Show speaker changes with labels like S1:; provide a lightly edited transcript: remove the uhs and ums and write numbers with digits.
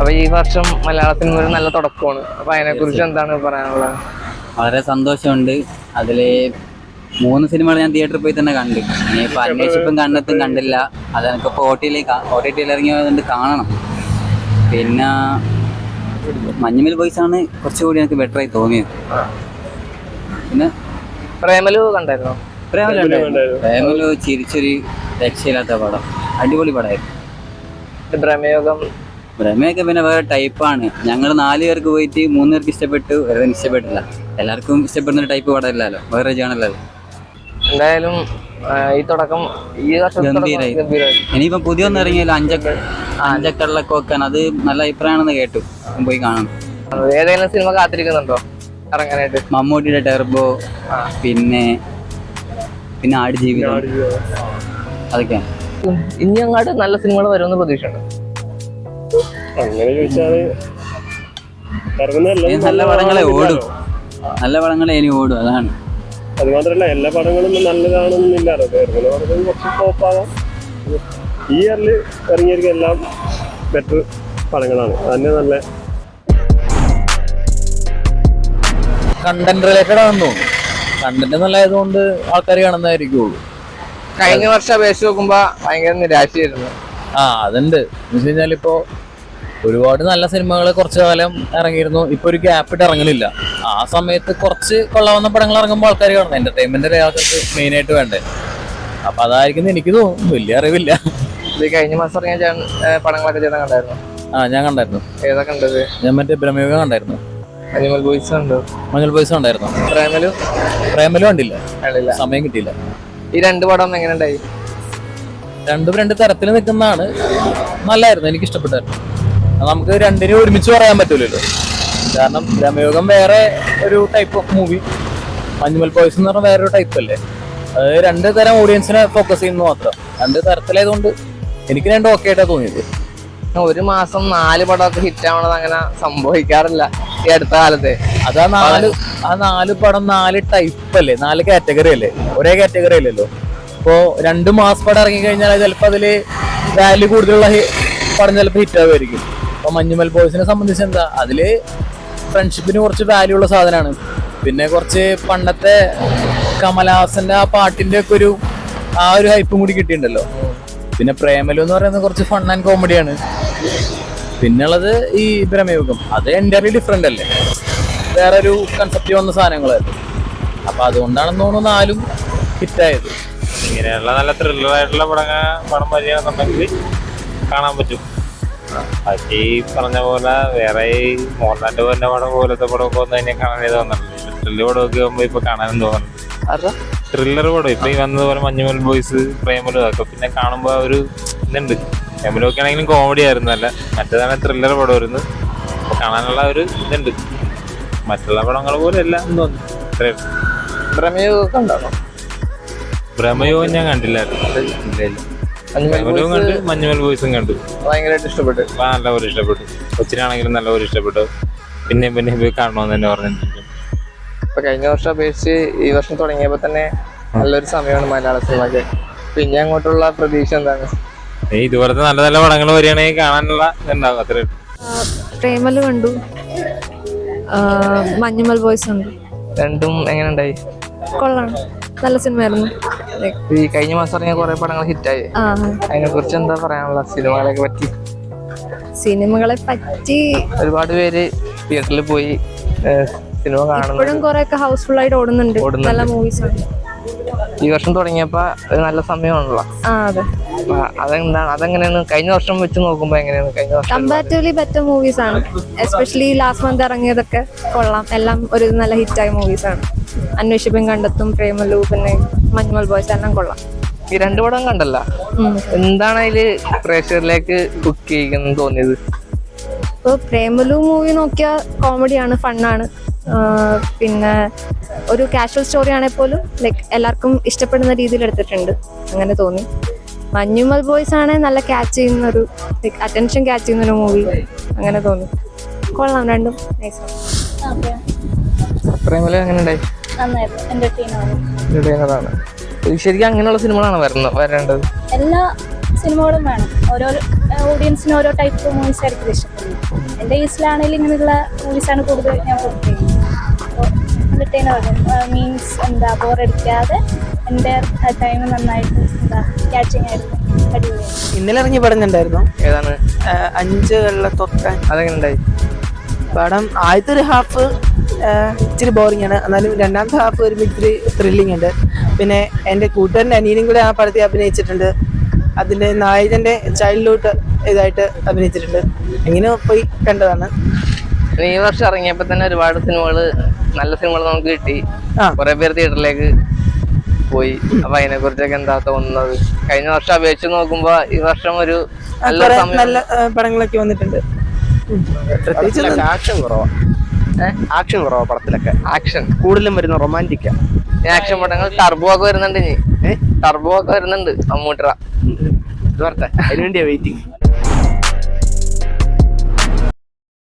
S1: അപ്പൊ ഈ വർഷം മലയാള സിനിമ ഒരു നല്ല തുടക്കമാണ്. അപ്പൊ അതിനെ കുറിച്ച് എന്താണ് പറയാനുള്ളത്?
S2: വളരെ സന്തോഷമുണ്ട്. അതില് 3 സിനിമകൾ ഞാൻ തിയേറ്ററിൽ പോയി തന്നെ കണ്ടു. ഇനിയിപ്പോൾ അന്വേഷിപ്പും കണ്ണെത്തും കണ്ടില്ല. അത് എനിക്കിപ്പോൾ OTT ഇറങ്ങിയതുകൊണ്ട് കാണണം. പിന്നെ മഞ്ഞുമൽ ബോയ്സ് ആണ് കുറച്ചുകൂടി എനിക്ക് ബെറ്ററായി തോന്നിയത്. പിന്നെ
S1: പ്രേമലു കണ്ടായിരുന്നോ?
S2: പ്രേമലു ചിരിച്ചൊരു രക്ഷയില്ലാത്ത പടം, അടിപൊളി പടമായിരുന്നു. ഭ്രമയൊക്കെ പിന്നെ വേറെ ടൈപ്പാണ്. ഞങ്ങൾ 4 പേർക്ക് പോയിട്ട് 3 പേർക്ക് ഇഷ്ടപ്പെട്ടു, വേറെ ഇഷ്ടപ്പെട്ടില്ല. എല്ലാവർക്കും ഇഷ്ടപ്പെടുന്ന ടൈപ്പ് പടമില്ലല്ലോ, വേറെ ജേണല്ലോ.
S1: എന്തായാലും ഈ തുടക്കം ഈ
S2: ഗംഭീരായി. ഇനിയിപ്പം പുതിയൊന്നും ഇറങ്ങിയല്ലോ, അഞ്ചക്കള്ളക്കോക്കാൻ, അത് നല്ല അഭിപ്രായമാണെന്ന് കേട്ടു. പോയി കാണണം.
S1: ഏതെങ്കിലും സിനിമ കാത്തിരിക്കുന്നുണ്ടോ ഇറങ്ങാനായിട്ട്?
S2: മമ്മൂട്ടിയുടെ ടെർബോ, പിന്നെ ആടുജീവിതം, അതൊക്കെയാണ്.
S1: ഇനി അങ്ങോട്ട് നല്ല സിനിമകൾ വരുമെന്ന് പ്രതീക്ഷയുണ്ട്.
S3: അങ്ങനെ ചോദിച്ചാല്
S2: നല്ല പടങ്ങളെ ഓടും, നല്ല പടങ്ങളെ ഇനി ഓടും. അതാണ്.
S3: അത് മാത്രല്ല എല്ലാ പടങ്ങളും നല്ലതാണെന്നില്ലല്ലോ. കുറച്ച് ടോപ്പാകാം. ഈ ഇയറിൽ ഇറങ്ങിയിരിക്കും എല്ലാം ബെറ്റർ പടങ്ങളാണ്. അതന്നെ നല്ല
S4: കണ്ടന്റ് റിലേറ്റഡ് ആണെന്ന് തോന്നുന്നു. കണ്ടന്റ് നല്ലതായതുകൊണ്ട് ആൾക്കാർ കാണുന്നതായിരിക്കുള്ളൂ.
S1: കഴിഞ്ഞ വർഷം അപേക്ഷിച്ച് നോക്കുമ്പോ ഭയങ്കര നിരാശയായിരുന്നു.
S4: അതുണ്ട്. എന്ന് വെച്ച് കഴിഞ്ഞാൽ ഇപ്പോ ഒരുപാട് നല്ല സിനിമകൾ കുറച്ചു കാലം ഇറങ്ങിയിരുന്നു. ഇപ്പൊ ഒരു ഗ്യാപ്പ് ഇട്ട് ഇറങ്ങുന്നില്ല. ആ സമയത്ത് കുറച്ച് കൊള്ളാവുന്ന പടങ്ങൾ ഇറങ്ങുമ്പോൾ ആൾക്കാർ കാണുന്നത് എന്റർടൈൻമെന്റ് ആൾക്കാർക്ക് മെയിൻ ആയിട്ട് വേണ്ടേ. അപ്പൊ അതായിരിക്കും എനിക്ക് തോന്നുന്നു. വലിയ അറിവില്ല.
S1: ഇത് കഴിഞ്ഞ മാസം ഇറങ്ങിയ പടങ്ങളൊക്കെ ചേട്ടൻ കണ്ടായിരുന്നു?
S4: ഞാൻ കണ്ടായിരുന്നു.
S1: ഏതാ കണ്ടത്?
S4: ഞാൻ മറ്റേ ഭ്രമയുഗം കണ്ടായിരുന്നു.
S1: മഞ്ഞുമൽ ബോയ്സ് കണ്ടു.
S4: മഞ്ഞുമൽ ബോയ്സ് കണ്ടായിരുന്നു. പ്രേമലു കണ്ടില്ല, സമയം കിട്ടിയില്ല.
S1: ഈ 2 പടം എങ്ങനെ ഉണ്ടായി?
S4: രണ്ടും 2 തരത്തിൽ നിൽക്കുന്നതാണ്. നല്ലായിരുന്നു, എനിക്ക് ഇഷ്ടപ്പെട്ടായിരുന്നു. നമുക്ക് രണ്ടിനും ഒരുമിച്ച് പറയാൻ പറ്റൂലല്ലോ. കാരണം ഭ്രമയുഗം വേറെ ഒരു type of movie, Manjummel Boys എന്ന് പറഞ്ഞാൽ വേറൊരു ടൈപ്പ് അല്ലേ. അത് 2 തരം ഓഡിയൻസിനെ ഫോക്കസ് ചെയ്യുന്നത് മാത്രം. 2 തരത്തിലായതുകൊണ്ട് എനിക്ക് 2 ഓക്കെ ആയിട്ടാണ് തോന്നിയത്.
S1: ഒരു മാസം 4 പടമൊക്കെ ഹിറ്റ് ആവണത് അങ്ങനെ സംഭവിക്കാറില്ല ഈ അടുത്ത കാലത്ത്.
S4: അത് ആ 4 പടം 4 ടൈപ്പ് അല്ലേ, 4 കാറ്റഗറി അല്ലേ, ഒരേ കാറ്റഗറി അല്ലല്ലോ. ഇപ്പോ 2 മാസ് പടം ഇറങ്ങി കഴിഞ്ഞാൽ ചിലപ്പോൾ അതില് വാല്യൂ കൂടുതലുള്ള പടം ചിലപ്പോൾ ഹിറ്റ് ആവുമായിരിക്കും. അപ്പൊ മഞ്ഞുമൽ ബോയ്സിനെ സംബന്ധിച്ച് എന്താ, അതില് ഫ്രണ്ട്ഷിപ്പിന് കുറച്ച് വാല്യൂ ഉള്ള സാധനമാണ്. പിന്നെ കുറച്ച് പണ്ടത്തെ കമലഹാസന്റെ ആ പാട്ടിന്റെ ഒക്കെ ഒരു ഹൈപ്പും കൂടി കിട്ടിയിട്ടുണ്ടല്ലോ. പിന്നെ പ്രേമലു എന്ന് പറയുന്നത് കുറച്ച് ഫൺ ആൻഡ് കോമഡിയാണ്. പിന്നുള്ളത് ഈ ഭ്രമയുഗം, അത് എൻ്റയർലി ഡിഫറെന്റ് അല്ലേ, വേറെ ഒരു കൺസെപ്റ്റ് വന്ന സാധനങ്ങളല്ലേ. അപ്പൊ അതുകൊണ്ടാണെന്ന് തോന്നുന്നു 4ഉം ഹിറ്റായത്.
S5: ഇങ്ങനെയുള്ള നല്ല ത്രില്ലറായിട്ടുള്ള പടം വരികയാണെന്നുണ്ടെങ്കിൽ കാണാൻ പറ്റും. ബാക്കി പറഞ്ഞ പോലെ വേറെ ഈ മോഹൻലാലിന്റെ പോലെ പടം പോലത്തെ പടമൊക്കെ വന്നു കഴിഞ്ഞാൽ കാണാനേ തോന്നുന്നുണ്ട്. ത്രില്ലർ പടമൊക്കെ ആകുമ്പോ ഇപ്പൊ കാണാനും തോന്നുന്നുണ്ട്. ത്രില്ലർ പടം ഇപ്പൊ ഈ വന്നതുപോലെ മഞ്ഞുമൽ ബോയ്സ്, പ്രേമലു ഒക്കെ പിന്നെ കാണുമ്പോ ഒരു ഇതുണ്ട്. പ്രേമലൊക്കെ ആണെങ്കിലും കോമഡി ആയിരുന്നു, അല്ല മറ്റേതാണ് ത്രില്ലർ പടം വരുന്നത്. അപ്പൊ കാണാനുള്ള ഒരു ഇതുണ്ട്. മറ്റുള്ള പടങ്ങൾ പോലെ അല്ല എന്ന് തോന്നുന്നു. ഭ്രമയോഗം ഞാൻ കണ്ടില്ലായിരുന്നു. മഞ്ഞുമൽ ബോയ്സും കണ്ടു.
S1: ഭയങ്കരമായിട്ട് ഇഷ്ടപ്പെട്ടു.
S5: നല്ലപോലെ ഇഷ്ടപ്പെട്ടു. കൊച്ചിനാണെങ്കിലും നല്ലപോലെ ഇഷ്ടപ്പെട്ടു. പിന്നെ പോയി കാണണമെന്ന് തന്നെ പറഞ്ഞിട്ടുണ്ട്.
S1: ഇപ്പൊ കഴിഞ്ഞ വർഷം അപേക്ഷിച്ച് ഈ വർഷം തുടങ്ങിയപ്പോ തന്നെ നല്ലൊരു സമയമാണ് മലയാള സിനിമക്ക്. പിന്നെ അങ്ങോട്ടുള്ള പ്രതീക്ഷ എന്താണ്?
S5: ഇതുപോലത്തെ നല്ല നല്ല പടങ്ങൾ വരികയാണെങ്കിൽ കാണാനുള്ള ഇതുണ്ടാവും. അത്രേ.
S6: പ്രേമലു കണ്ടു, മഞ്ഞുമൽ ബോയ്സ് കണ്ടു.
S1: രണ്ടും എങ്ങനെ ഉണ്ടായി?
S6: കൊള്ളാം, നല്ല സിനിമയായിരുന്നു.
S1: ഈ കഴിഞ്ഞ മാസം ഇറങ്ങിയ കുറെ പടങ്ങൾ ഹിറ്റായി. അതിനെ കുറിച്ച് എന്താ പറയാനുള്ള?
S6: സിനിമകളെ പറ്റി
S1: ഒരുപാട് പേര് തിയേറ്ററിൽ പോയി സിനിമ കാണുന്നു.
S6: ഇപ്പോഴും കുറെ ഒക്കെ ഹൗസ്ഫുൾ ആയിട്ട് ഓടുന്നുണ്ട്. നല്ല മൂവീസ് ആണ്.
S1: ഈ വർഷം തുടങ്ങിയപ്പോ നല്ല സമയമാണല്ലോ. അതെന്താണ്, അതെങ്ങനെയാണ് കഴിഞ്ഞ വർഷം വെച്ച് നോക്കുമ്പോ എങ്ങനെയാണ്? കഴിഞ്ഞ വർഷം
S6: കമ്പാരിറ്റീവ്ലി ബെറ്റർ മൂവീസ് ആണ്. എസ്പെഷ്യലി ലാസ്റ്റ് മന്ത് ഇറങ്ങിയതൊക്കെ കൊള്ളാം. എല്ലാം ഒരു നല്ല ഹിറ്റായ മൂവീസ് ആണ്. അന്വേഷിപ്പും കണ്ടെത്തും, പ്രേമലു, പിന്നെ മഞ്ഞുമൽ ബോയ്സ് എല്ലാം കൊള്ളാം.
S1: ഈ 2 പടം കണ്ടല്ല, എന്താണ് അതില് പ്രേക്ഷകരിലേക്ക് കുക്ക് ചെയ്യുന്നു തോന്നിയത്?
S6: ഇപ്പൊ പ്രേമലു മൂവി നോക്കിയാൽ കോമഡിയാണ്, ഫണ്ണാണ്. പിന്നെ ഒരു കാഷ്വൽ സ്റ്റോറി ആണെങ്കിൽ പോലും ലൈക്ക് എല്ലാവർക്കും ഇഷ്ടപ്പെടുന്ന രീതിയിൽ എടുത്തിട്ടുണ്ട്, അങ്ങനെ തോന്നി. മഞ്ഞുമൽ ബോയ്സ് ആണ് നല്ല ക്യാച്ച് ചെയ്യുന്ന ഒരു ലൈക്ക് അറ്റൻഷൻ ക്യാച്ച് ചെയ്യുന്ന ഒരു മൂവി, അങ്ങനെ തോന്നി. കൊള്ളാം, രണ്ടും നൈസാണ്.
S1: പ്രേമലു എങ്ങനെ ഉണ്ടായി?
S6: നന്നായിരുന്നു, എന്റർടൈനറാണ്.
S1: ശരിക്കും അങ്ങനെയുള്ള സിനിമകളാണ് വരേണ്ടത്.
S6: എല്ലാ
S7: സിനിമകളും വേണം. ഓരോ ഓഡിയൻസിന് ഓരോ ടൈപ്പ് മൂവീസ് ആയിരിക്കും ഇഷ്ടപ്പെടുന്നത്. എൻ്റെ കേസിലാണെങ്കിലും ഇങ്ങനെയുള്ള മൂവീസാണ് കൂടുതൽ ഞാൻ പ്രിഫർ ചെയ്യുന്നത്. അപ്പോൾ എന്റർടൈനർ മീൻസ് എന്താ ബോറടിക്കാതെ എൻ്റെ ടൈം നന്നായിട്ട് എന്താ ക്യാച്ചിങ് ആയിരുന്നു, അടിപൊളിയായിരുന്നു.
S8: ഇന്നലെ ഇറങ്ങിയ പടം കണ്ടായിരുന്നു.
S1: ഏതാണ്?
S8: 5 വെള്ളത്തൊട്ടാൻ.
S1: അതെങ്ങനെ ഉണ്ടായി?
S8: പടം ആദ്യത്തെ ഒരു ഹാഫ് ഇച്ചിരി ബോറിംഗ് ആണ്, എന്നാലും രണ്ടാമത്തെ ഹാഫ് ഒരു ഇത്തിരി ത്രില്ലിംഗ് ഉണ്ട്. പിന്നെ എൻ്റെ കൂട്ടുകാരൻ്റെ അനിയനും കൂടെ ആ പടത്തിൽ അഭിനയിച്ചിട്ടുണ്ട്. അതിൻ്റെ നായകൻ്റെ ചൈൽഡ്ഹുഡ് ഇതായിട്ട് അഭിനയിച്ചിട്ടുണ്ട്. എങ്ങനെ പോയി കണ്ടതാണ്.
S1: ഈ വർഷം ഇറങ്ങിയപ്പോ തന്നെ ഒരുപാട് സിനിമകള്, നല്ല സിനിമകൾ നമുക്ക് കിട്ടി. കുറെ പേര് തിയേറ്ററിലേക്ക് പോയി. അപ്പൊ അതിനെ കുറിച്ചൊക്കെ എന്താ തോന്നുന്നത്? കഴിഞ്ഞ വർഷം അപേക്ഷിച്ച് നോക്കുമ്പോ ഈ വർഷം ഒരു
S8: നല്ല പടങ്ങളൊക്കെ വന്നിട്ടുണ്ട്. പ്രത്യേകിച്ച്
S3: ആക്ഷൻ കുറവാ പടത്തിലൊക്കെ.
S1: ആക്ഷൻ
S3: കൂടുതലും വരുന്ന റൊമാൻറ്റിക്കാ.
S1: ആക്ഷൻ പടങ്ങൾ ടർബോ ഒക്കെ വരുന്നുണ്ട്. ടർബോ ഒക്കെ വരുന്നുണ്ട്. മമ്മൂട്ടിറ
S3: അതിനുവേണ്ടിയാ വെയിറ്റിംഗ്.